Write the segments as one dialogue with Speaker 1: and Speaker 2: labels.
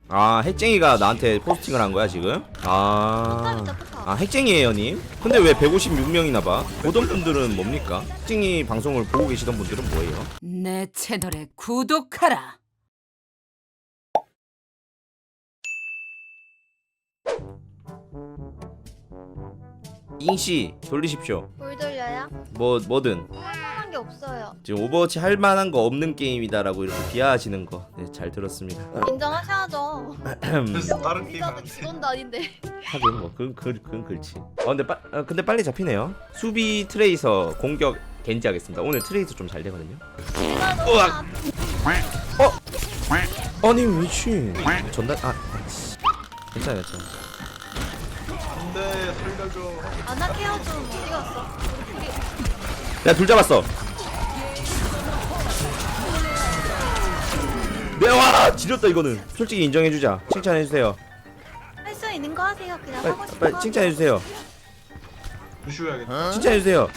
Speaker 1: 아, 핵쟁이가 나한테 포스팅을 한 거야 지금? 핵쟁이에요 님? 근데 왜 156명이나 봐? 보던 분들은 뭡니까? 핵쟁이 방송을 보고 계시던 분들은 뭐예요?
Speaker 2: 내 채널에 구독하라.
Speaker 1: 잉씨 돌리십시오.
Speaker 3: 뭘 돌려요?
Speaker 1: 뭐든
Speaker 3: 할만한 게 없어요.
Speaker 1: 지금 오버워치 할 만한 거 없는 게임이다라고 이렇게 비하하시는 거 네, 잘 들었습니다.
Speaker 3: 인정하셔야죠.
Speaker 4: 그래서 다른 게임
Speaker 3: 기자도
Speaker 4: 안 돼.
Speaker 3: 직원도 아닌데.
Speaker 1: 하긴 뭐 그건 그렇지. 근데 빨리 잡히네요. 수비 트레이서 공격 겐지 하겠습니다. 오늘 트레이서 좀 잘 되거든요. 으악! 아니 미친 전달 괜찮아.
Speaker 4: 안돼 살려줘.
Speaker 3: 아나 케어 좀 어디 갔어? 우리
Speaker 1: 내가 둘 잡았어. 내와 지렸다 이거는. 솔직히 인정해주자. 칭찬해주세요.
Speaker 3: 할수 있는 거 하세요. 그냥
Speaker 1: 빨리,
Speaker 3: 하고 싶은
Speaker 1: 빨리
Speaker 3: 거.
Speaker 1: 칭찬해주세요.
Speaker 4: 부슈해야겠다.
Speaker 1: 칭찬해주세요.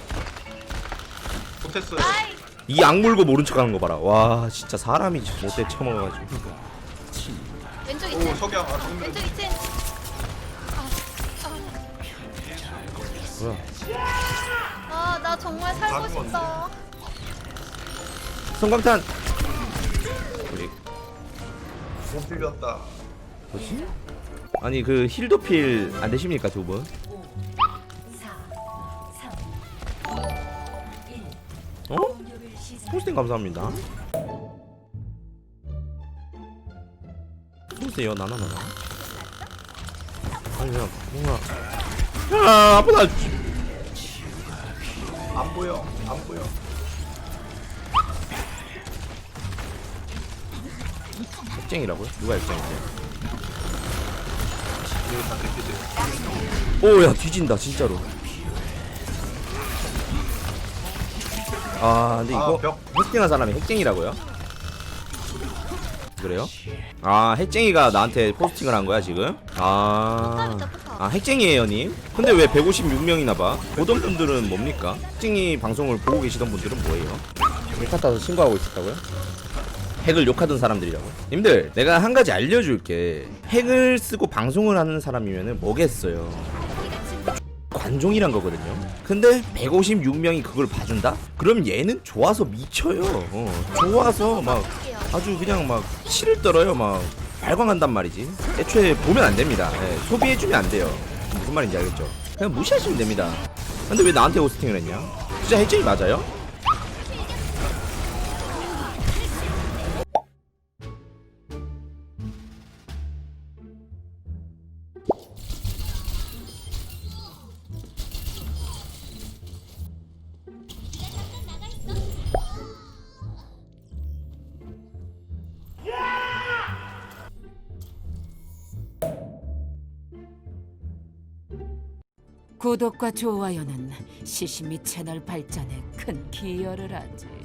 Speaker 4: 못했어요.
Speaker 3: 아이,
Speaker 1: 이 악물고 모른 척하는 거 봐라. 와 진짜 사람이 못돼 처먹어가지고.
Speaker 3: 왼쪽
Speaker 4: 오
Speaker 3: 2층.
Speaker 4: 석양 아 정면.
Speaker 3: 왼쪽 2층.
Speaker 1: 뭐야?
Speaker 3: 나 정말 살고
Speaker 4: 작은
Speaker 3: 싶다.
Speaker 1: 성광탄. 우리
Speaker 4: 못 빌렸다.
Speaker 1: 뭐지? 아니 그 힐도필 안 되십니까 두 분? 어? 포스팅 감사합니다. 보세요 나나. 아니 그냥 뭔가 야 아프다.
Speaker 4: 안 보여. 안 보여.
Speaker 1: 핵쟁이라고요? 누가 핵쟁이세요?
Speaker 4: 이거 다 그렇게 돼.
Speaker 1: 오야 뒤진다 진짜로. 아 근데 이거
Speaker 4: 벽.
Speaker 1: 포스팅한 사람이 핵쟁이라고요? 그래요? 아 핵쟁이가 나한테 포스팅을 한 거야 지금? 핵쟁이에요 님? 근데 왜 156명이나 봐? 보던 분들은 뭡니까? 핵쟁이 방송을 보고 계시던 분들은 뭐예요? 핵 탔다서 신고하고 있었다고요? 핵을 욕하던 사람들이라고? 님들 내가 한 가지 알려줄게. 핵을 쓰고 방송을 하는 사람이면은 뭐겠어요? 관종이란 거거든요. 근데 156명이 그걸 봐준다? 그럼 얘는 좋아서 미쳐요. 좋아서 막 아주 그냥 막 치를 떨어요. 막 발광한단 말이지. 애초에 보면 안 됩니다. 예, 소비해주면 안 돼요. 무슨 말인지 알겠죠? 그냥 무시하시면 됩니다. 근데 왜 나한테 호스팅을 했냐? 진짜 핵쟁이 맞아요?
Speaker 2: 구독과 좋아요는 시시미 채널 발전에 큰 기여를 하지.